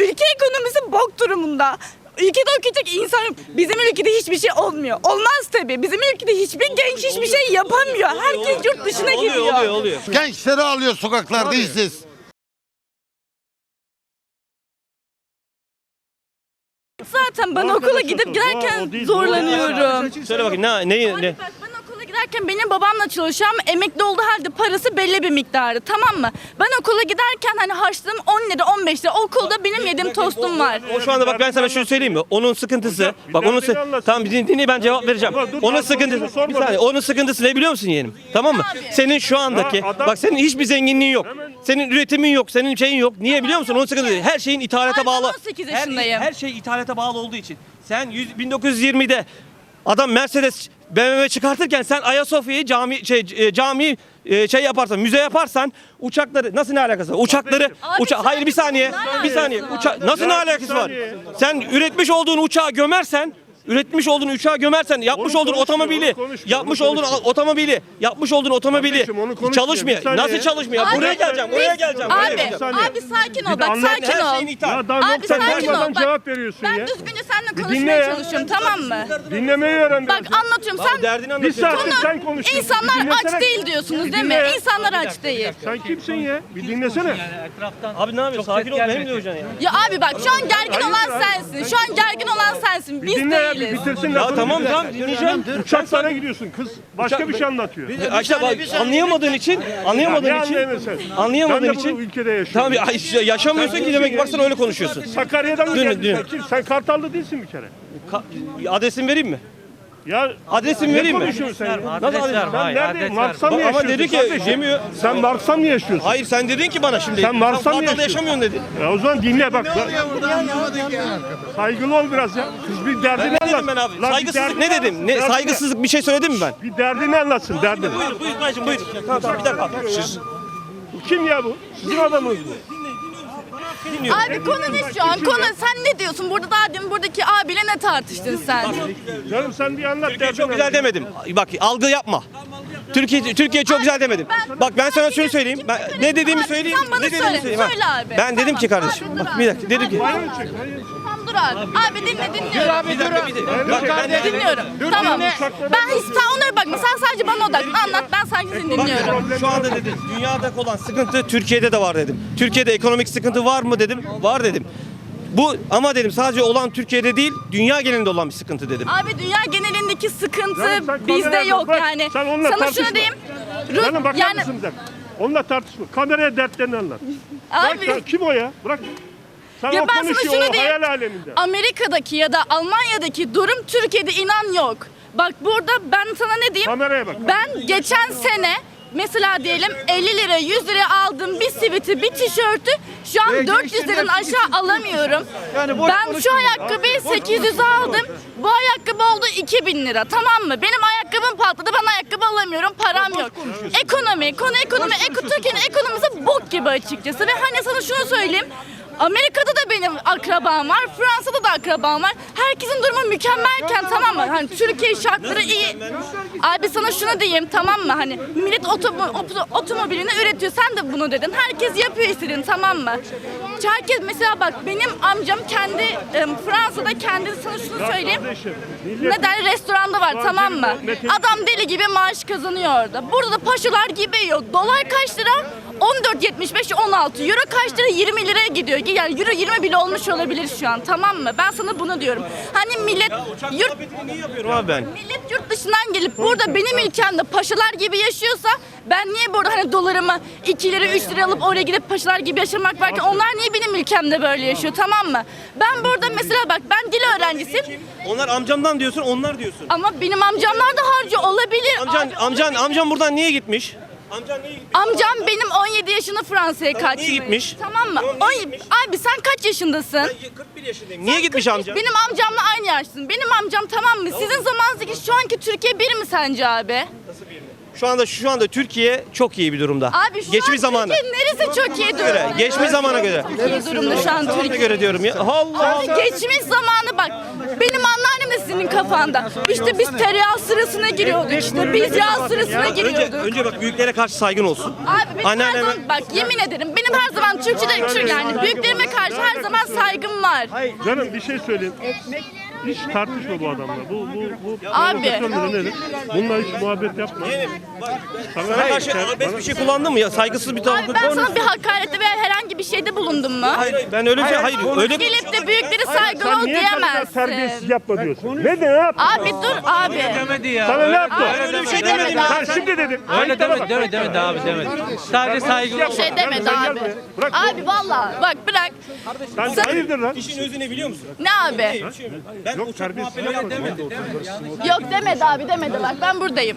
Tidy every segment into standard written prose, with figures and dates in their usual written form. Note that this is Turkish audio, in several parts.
ülke ekonomisi bok durumunda. Ülkede okuyacak insan yok. Bizim ülkede hiçbir şey olmuyor. Olmaz tabii. Bizim ülkede hiçbir genç hiçbir şey yapamıyor. Herkes yurt dışına gidiyor. Oluyor. Gençleri alıyor sokaklarda işsiz. Zaten ben okula gidip gelirken zorlanıyorum. Söyle bakayım ne? Abi bak, ben okula giderken benim babamla çalışıyorum. Emekli olduğu halde parası belli bir miktarı, tamam mı? Ben okula giderken hani harçlığım 10 lira 15 lira. Okulda benim yediğim tostum var. O şu anda bak ben sana şunu söyleyeyim mi? Onun sıkıntısı. Bak onun tamam dinle ben cevap vereceğim. Onun sıkıntısı. Bir saniye. Onun sıkıntısı ne biliyor musun yeğenim? Tamam mı? Senin şu andaki bak senin hiçbir zenginliğin yok. Senin üretimin yok, senin şeyin yok. Niye biliyor musun? Onun sıkıntısı. Her şeyin ithalata Abi, bağlı. 18 yaşındayım. Her şey ithalata bağlı olduğu için. Sen 1920'de adam Mercedes BMW çıkartırken sen Ayasofya'yı cami yaparsan, müze yaparsan uçakları nasıl ne alakası var? Uçakları hayır bir saniye. Nasıl ne alakası var? Sen üretmiş olduğun uçağı gömersen yapmış olduğun otomobili çalışmıyor. Nasıl çalışmıyor? Abi, Buraya geleceğim. Abi sakin ol bak, sakin ol. Abi sakin ol bak. Cevap veriyorsun Ben ya. düzgünce seninle konuşmaya çalışıyorum, tamam mı? Dinlemeyi öğren Bak biraz. anlatıyorum, sen Derdini Bir anlatıyorsun. saattir sen konuşuyorsun. İnsanlar Bir dinlesene. aç değil diyorsunuz değil mi? dinle. İnsanlar aç değil. Sen kimsin ya? Bir dinlesene. Abi ne yapıyorsun? Sakin ol benim de hocan ya. Ya abi bak, şu an gergin olan sensin. Şu an gergin olan sensin. Biz Dinle ya, bir değiliz. bitirsin Ya lafını. tamam dinleyeceğim. Uçaklara gidiyorsun. Kız başka bir şey anlatıyor. İşte bak anlayamadığın için Ne anlayamıyorsun? anlayamadığın Ben de için bu ülkede yaşıyorum. Tamam yaşamıyorsun ki demek varsa öyle konuşuyorsun. Sakarya'dan mı Dün- geldin dün. sen? Kim? Sen Kartallı değilsin bir kere. Adresimi vereyim mi? Ya Adresimi ne vereyim mi? konuşuyorsun sen ya? Nasıl adres? Sen nerede? Mars'ta mı Ama yaşıyorsun? dedi ki kardeşim? yemiyor. Sen Mars'ta mı yaşıyorsun? Hayır sen dedin ki bana şimdi. Sen Mars'ta mı Kartal'da yaşıyorsun? yaşamıyorsun dedin. Ya o zaman dinle bak. Saygılı ol biraz ya. Kız bir derdini Ne dedim anlat. ben abi? Lan bir Saygısızlık derdini ne dedim? anlat. Ne Derdini- saygısızlık bir şey söyledim mi ben? Bir derdini anlatsın derdini. Buyur dayıcım buyur. Tamam bir dakika. Bu kim ya bu? Sizin adamınız bu. Abi konu ne şu an? Konu, sen ne diyorsun? Burada daha demin buradaki abiyle ne tartıştın sen? Canım sen bir anlat Türkiye derdini. çok güzel demedim. Bak algı yapma. Türkiye çok güzel demedim. Bak ben sana şunu söyleyeyim. Ben ne dediğimi Abi, söyleyeyim. sen bana Ne dediğimi söyle, söyleyeyim. ha. söyle abi. Ben dedim Tamam, ki kardeşim. abi, dur Bak abi. bir dakika dedim ki. Tamam dur abi. Abi dinliyorum. Bir dakika. Bak ben dedim. Dinliyorum. Tamam. Ben hiç sen onlara bakma. Sen sadece bana odaklan. Anlat, ben sadece seni dinliyorum. Şu anda dedim dünyada olan sıkıntı Türkiye'de de var dedim. Türkiye'de ekonomik sıkıntı var mı dedim. Var dedim. Bu ama dedim sadece olan Türkiye'de değil dünya genelinde olan bir sıkıntı dedim. Abi dünya genelindeki sıkıntı Canım sen bizde kameraya yok bak, yani. sen onunla Sana tartışma. şunu diyeyim. Canım bakar Yani mısın bir dakika? Onunla tartışma. Kameraya dertlerini anlat. abi Bırak, kim o ya? Bırak. Sen ya o ben sana konuşuyor, şunu o diyeyim. hayal aleminde. Amerika'daki ya da Almanya'daki durum Türkiye'de inan yok. Bak burada ben sana ne diyeyim? Kameraya bak. Ben geçen sene mesela diyelim 50 lira 100 liraya aldığım bir siviti bir tişörtü şu an 400 liradan aşağı alamıyorum. Ben şu ayakkabıyı 800 aldım. Bu ayakkabı oldu 2000 lira, tamam mı? Benim ayakkabım patladı, ben ayakkabı alamıyorum, param yok. Ekonomi, Türkiye'nin ekonomisi bok gibi açıkçası. Ve hani sana şunu söyleyeyim. Amerika'da da benim akrabam var, Fransa'da da akrabam var. Herkesin durumu mükemmelken, tamam mı? Hani Türkiye şartları iyi. Abi sana şunu diyeyim, tamam mı? Hani millet otomobilini üretiyor. Sen de bunu dedin. Herkes yapıyor istediğini, tamam mı? Herkes mesela bak benim amcam kendi Fransa'da kendisi, sana şunu söyleyeyim. Ne der, restoranda var, tamam mı? Adam deli gibi maaş kazanıyor orada. Burada da paşalar gibi yiyor. Dolar kaç lira? 14.75, 16. Euro kaç lira? 20 liraya gidiyor. Yani euro 20 bile olmuş olabilir şu an, tamam mı? Ben sana bunu diyorum. Hani millet Niye yapıyorum abi ben? millet yurt dışından gelip burada benim ülkemde paşalar gibi yaşıyorsa ben niye burada hani dolarımı 2 lira 3 lira alıp oraya gidip paşalar gibi yaşamak varken onlar niye benim ülkemde böyle yaşıyor, tamam mı? Ben burada mesela bak ben dil öğrencisiyim Onlar amcamdan diyorsun, onlar diyorsun. ama benim amcamlar da harcı olabilir. Amcan buradan niye gitmiş? Amcan niye gitmiş? Amcam benim 17 yaşında Fransa'ya kaçmış. niye gitmiş? Tamam mı? Tamam, niye gitmiş? Abi sen kaç yaşındasın? Ben 41 yaşındayım. Niye gitmiş amca? Benim amcamla aynı yaşlısın. Benim amcam, tamam mı? Sizin zamanınızdaki şu anki Türkiye bir mi sence abi? Şu anda Türkiye çok iyi bir durumda. Abi şu Geçmiş an zamanı. Türkiye neresi çok iyi durumda? Geçmiş zamana göre. Çok iyi durumda şu an Zamana Türkiye. göre diyorum ya. Allah Abi geçmiş zamanı bak. Benim anneannem de sizin senin kafanda. İşte biz tereyağı sırasına giriyorduk, işte biz yağ sırasına giriyorduk. Önce bak büyüklere karşı saygın olsun. Abi benim her Anneanneme- zaman, bak yemin ederim benim her zaman Türkçe'de yani büyüklerime karşı her zaman saygım var. Canım bir şey söyleyeyim. Hiç tartışma bu adamla. Bu Abi. provokasyon nedir? Bununla hiç muhabbet yapma. Sana karşı arabesk bir şey kullandın mı ya? Saygısız bir tavır. Abi ben sana bir hakarette veya herhangi bir şeyde bulundum mu? Hayır, ben öyle bir şey, hayır, öyle Gelip de büyükleri saygılı Sen ol niye kadar terbiyesiz diyemezsin. yapma diyorsun? Ne yaptı? Abi dur abi. Sana ne yaptı? öyle bir şey demedim. Sen şimdi dedin. Öyle demedi abi demedi. Sadece saygılı. Bir şey demedi abi. Bırak. Abi valla bak bırak. Sen hayırdır lan? İşin özü ne biliyor musun? Ne abi? Ben Yok terbiyesiz yapma. Yok demedi abi demedi bak ben buradayım.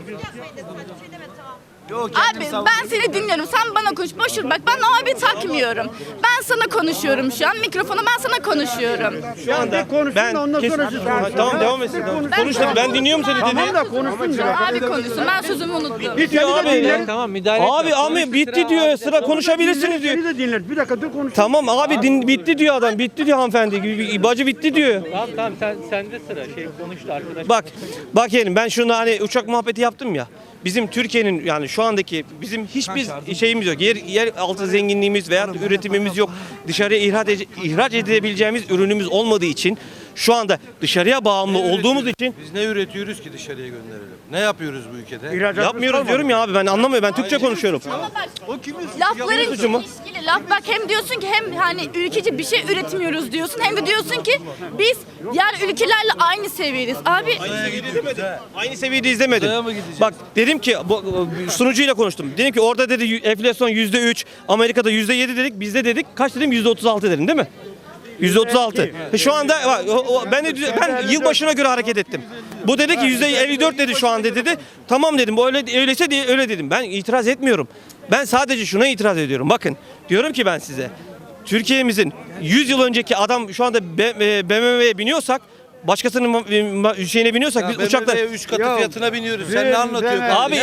Abi ben seni dinliyorum. Sen bana konuş. Boş ver. Bak ben o abi takmıyorum. Ben sana konuşuyorum şu an. Mikrofonu ben sana konuşuyorum. Şu anda ben tamam devam etsin. Konuş da ben dinliyorum seni dedi. Abi konuşsun. Ben sözümü unuttum. Bitiyor abi. Tamam müdahale etme. Abi bitti diyor. Sıra konuşabilirsiniz diyor. Bir dakika dur konuş. Tamam abi bitti diyor adam. Bitti diyor hanımefendi. Bacı bitti diyor. Tamam sende sıra. Konuştu arkadaş. Bak yeğenim ben şunu hani uçak muhabbeti yaptım ya. Bizim Türkiye'nin yani şu andaki bizim hiçbir şeyimiz yok. Yer altı zenginliğimiz veya üretimimiz yok. Dışarıya ihraç edebileceğimiz ürünümüz olmadığı için şu anda dışarıya bağımlı olduğumuz için Biz ne üretiyoruz ki dışarıya gönderelim? Ne yapıyoruz bu ülkede? yapmıyoruz diyorum ya abi ben anlamıyorum. Ben Türkçe konuşuyorum. Lafların suçu mu? ilişkili laf bak hem diyorsun ki hem hani ülkeci bir şey üretmiyoruz diyorsun hem de diyorsun ki biz diğer ülkelerle aynı seviyedeyiz. Abi Aynı seviyede izlemedim. Bak dedim ki sunucuyla konuştum. Dedim ki orada dedi enflasyon %3, Amerika'da %7 dedik. Bizde dedik kaç dedim %36 dedim değil mi? %36. Şu anda ben yılbaşına göre hareket ettim. Bu dedi ki %54 dedi şu anda dedi. Tamam dedim. Bu öyleyse diye öyle dedim. Ben itiraz etmiyorum. Ben sadece şuna itiraz ediyorum. Bakın diyorum ki ben size Türkiye'mizin 100 yıl önceki adam şu anda BMW'ye biniyorsak başkasının şeyine biniyorsak biz uçaklar 3 katı fiyatına biniyoruz. Sen ne anlatıyorsun? abi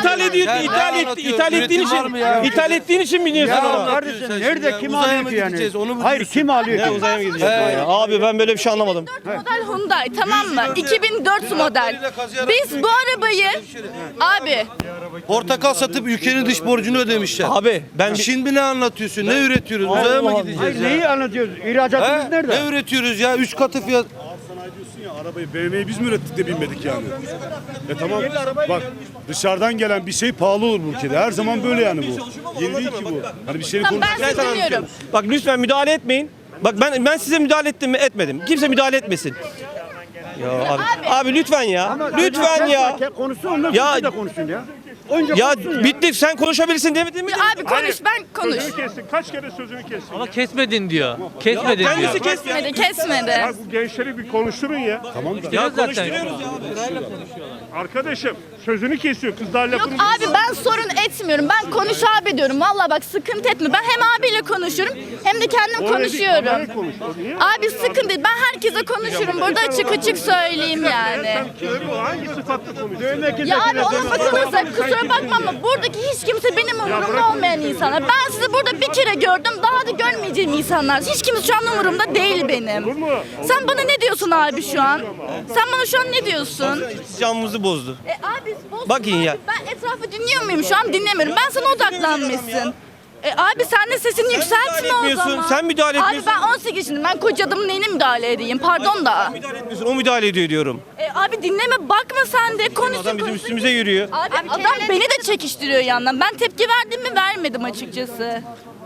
ithal ettiğin için biniyorsun ona. Kardeşim nerede kim Uzaya alıyor mı ki yani? gideceğiz, onu mu Hayır diyorsun? kim alıyor ki? Uzaya mı gideceğiz? Abi ben böyle bir şey anlamadım. 2004 model Hyundai tamam mı? 2004 model. Biz bu arabayı abi Portakal satıp ülkenin dış borcunu ödemişler. Abi ben Şimdi ne anlatıyorsun? Ne üretiyoruz? Uzaya mı Hayır gideceğiz ya? neyi anlatıyoruz? İhracatımız nerede? Ne üretiyoruz ya? 3 katı fiyat. Arabayı BMW'yi biz mi ürettik de binmedik yani? Tamam bak dışarıdan gelen bir şey pahalı olur bu ülkede. Her zaman böyle yani bu. Yeni değil ki bu. Hani bir şeyin tamam ben Ben sizi sana dinliyorum. anlatıyorum. Bak lütfen müdahale etmeyin. Bak ben size müdahale ettim mi? Etmedim. Kimse müdahale etmesin. Ya abi lütfen ya. Lütfen ya. Konuşsun ondan Ya- sonra da konuşsun ya. Önce Ya konuşsun bitti sen konuşabilirsin demedin mi? Abi konuş ben konuş. Sözünü kestin. Kaç kere sözünü kestin? Ama kesmedin diyor. Kesmedin diyor. Kendisi kesmiyor. Kesmedi. Ya bu gençleri bir konuşturun ya. Ya zaten. Arkadaşım sözünü kesiyor. Kızlar Yok lafını abi ben sorun etmiyorum. Ben konuş abi diyorum. Valla bak sıkıntı etme. Ben hem abiyle konuşuyorum hem de kendim konuşuyorum. Abi sıkıntı değil. Ben herkese konuşurum. Burada açık söyleyeyim yani. Hangi sıfatla konuşuyorsun? Ya abi ona bakılırsa kusura bakma ama buradaki hiç kimse benim umurumda olmayan insanlar. Ben sizi burada bir kere gördüm. Daha da görmeyeceğim insanlar. Hiç kimse şu an umurumda değil benim. Sen bana ne diyorsun abi şu an? Sen bana şu an ne diyorsun? Camımızı bozdu. Abi bozma Bakın abi. ya. Ben etrafı dinliyor muyum? Şu an dinlemiyorum. Ben sana odaklanmışsın. Abi sen de sesini yükseltme o etmiyorsun, zaman. sen müdahale Abi etmiyorsun. ben 18 yaşındayım. Ben koca adamın neyine müdahale edeyim? Pardon da. Müdahale etmiyorsun. O müdahale ediyor diyorum. Abi dinleme bakma sen de konuşsun. Adam bizim konuşsun. üstümüze yürüyor. Abi adam beni de çekiştiriyor yandan. Ben tepki verdim mi vermedim açıkçası.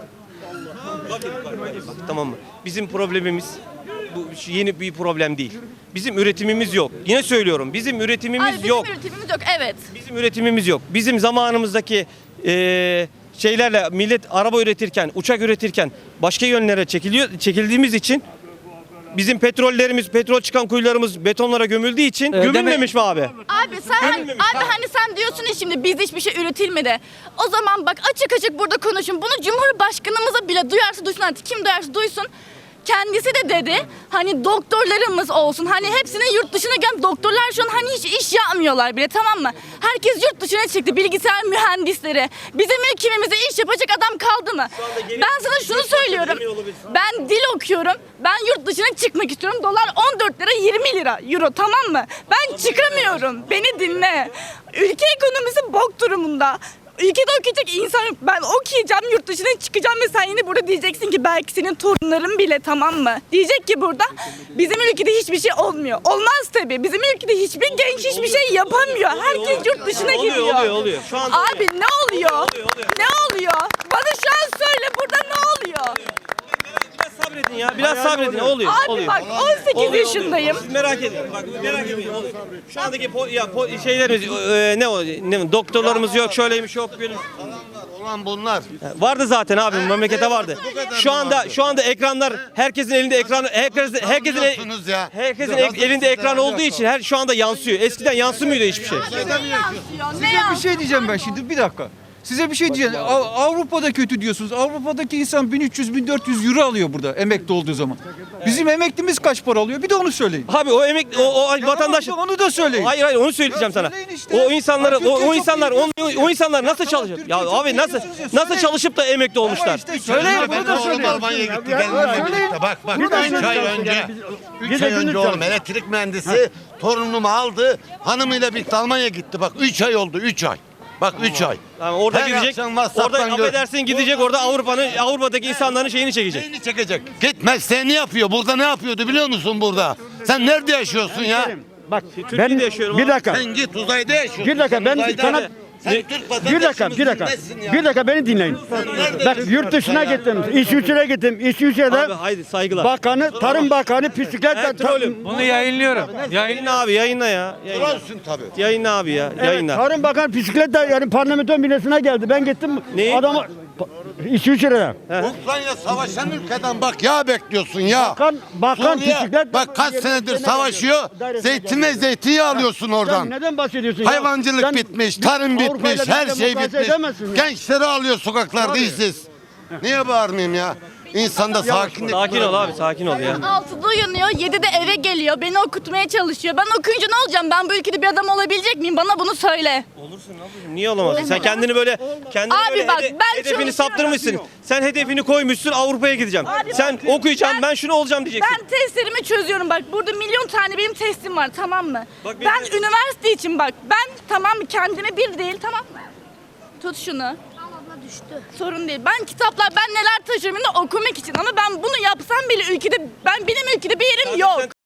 Tamam mı? Bizim problemimiz bu yeni bir problem değil. Bizim üretimimiz yok. Yine söylüyorum. Bizim üretimimiz Abi bizim yok. üretimimiz yok evet. Bizim üretimimiz yok. Bizim zamanımızdaki şeylerle millet araba üretirken, uçak üretirken başka yönlere çekildiğimiz için bizim petrol çıkan kuyularımız betonlara gömüldüğü için gömülmemiş mi abi? Abi hani sen diyorsun ya şimdi bizde hiçbir şey üretilmedi. O zaman bak açık burada konuşun. Bunu Cumhurbaşkanımıza bile duyarsa duysun artık kim duyarsa duysun. kendisi de dedi hani doktorlarımız olsun. Hani hepsini yurt dışına gelen doktorlar şu an hani hiç iş yapmıyorlar bile, tamam mı? Herkes yurt dışına çıktı. Bilgisayar mühendisleri. Bizim ülkemizde iş yapacak adam kaldı mı? Ben sana şunu söylüyorum. Ben dil okuyorum. Ben yurt dışına çıkmak istiyorum. Dolar 14 lira 20 lira euro, tamam mı? Ben çıkamıyorum. Beni dinle. Ülke ekonomisi bok durumunda. Ülkede okuyacak insan yok. Ben okuyacağım, yurt dışına çıkacağım ve sen yine burada diyeceksin ki belki senin torunların bile, tamam mı? Diyecek ki burada bizim ülkede hiçbir şey olmuyor. Olmaz tabii. Bizim ülkede hiçbir genç hiçbir şey yapamıyor. Herkes yurt dışına gidiyor. Oluyor. Şu anda Abi ne oluyor? Ne oluyor? Bana şu an söyle, burada ne oluyor? biraz sabredin ya. Biraz sabredin. Oluyor. Abi oluyor. bak 18 yaşındayım. Siz merak edin. Bak merak edin. Oluyor. Şu andaki şeylerimiz doktorlarımız yok, şöyleymiş yok böyle. Olan bunlar. Vardı zaten abi, memlekete vardı. Şu anda ekranlar, herkesin elinde ekran, herkesin ya. elinde ekran olduğu için şu anda yansıyor. Eskiden yansımıyordu hiçbir şey. Ne Bir şey diyeceğim ben şimdi, bir dakika. Size bir şey diyeceğim. Avrupa'da kötü diyorsunuz. Avrupa'daki insan 1300-1400 euro alıyor burada emekli olduğu zaman. Bizim emeklimiz kaç para alıyor? Bir de onu söyleyin. Abi o emekli o vatandaş. Onu da söyleyin. Hayır onu söyleyeceğim sana. söyleyin işte. O insanlar nasıl çalışıyor? Ya abi nasıl çalışıp da emekli olmuşlar? İşte söyleyin, bunu da söyleyin. Almanya'ya gitti. Benimle birlikte. Bak 3 ay önce. 3 ay önce oğlum elektrik mühendisi torunumu aldı. Hanımıyla birlikte Almanya'ya gitti. Bak 3 ay oldu 3 ay. Bak 3 ay. Yani orada Her gidecek. akşam WhatsApp'tan Orada affedersin gidecek, orada Avrupa'daki insanların şeyini çekecek. Neyini çekecek? Git mesleğini yapıyor. Burada ne yapıyordu biliyor musun burada? Sen nerede yaşıyorsun ya? Bak Türkiye'de ben yaşıyorum bir abi. dakika. Sen git uzayda yaşıyorsun. Bir dakika ben Uzayda. sana Sen Türk bir dakika vatandaşı mısın? bir dakika beni dinleyin. Bak yurt dışına gittim. İsviçre'ye gittim. İsviçre'de Abi haydi saygılar. bakanı, Tarım Bakanı bisikletle trolüm. Bunu yayınlıyorum. Yayınla abi, yayınla ya. Trollsün tabii. Yayınla abi ya. Evet, Yayınla. Tarım Bakanı bisikletle yani parlamento binesine geldi. Ben gittim Neyi? adamı İsviçre'de. Ukrayna savaşan ülkeden bak yağ bekliyorsun ya. Bakan Suriye, bisiklet. bak kaç senedir savaşıyor. Zeytin ve zeytinyağı alıyorsun Sen oradan. neden bahsediyorsun ya? Hayvancılık Sen bitmiş, tarım Avrupa'yla bitmiş, her bizle şey mukayese bitmiş. edemezsin ya. Gençleri alıyor sokaklarda Tabii. işsiz. Niye bağırmayayım ya? İnsanda sakinlik. Sakin ol abi, sakin ol ya. 6'da uyanıyor, 7'de eve geliyor. Beni okutmaya çalışıyor. Ben okuyunca ne olacağım? Ben bu ülkede bir adam olabilecek miyim? Bana bunu söyle. Olursun ablacığım. Niye olamazsın? Sen kendini böyle Abi bak, ben hedefini çalışıyorum. saptırmışsın. Sen hedefini koymuşsun, Avrupa'ya gideceğim. Abi Sen bak, okuyacaksın, ben şunu olacağım diyeceksin. Ben testlerimi çözüyorum bak. Burada milyon tane benim testim var, tamam mı? Bak ben benim- üniversite için bak. Ben tamam mı, kendime bir değil, tamam mı? Tut şunu. Düştü. Sorun değil. Ben kitaplar, ben neler taşıyorum yine okumak için, ama ben bunu yapsam bile ülkede, benim ülkede bir yerim yok. Sen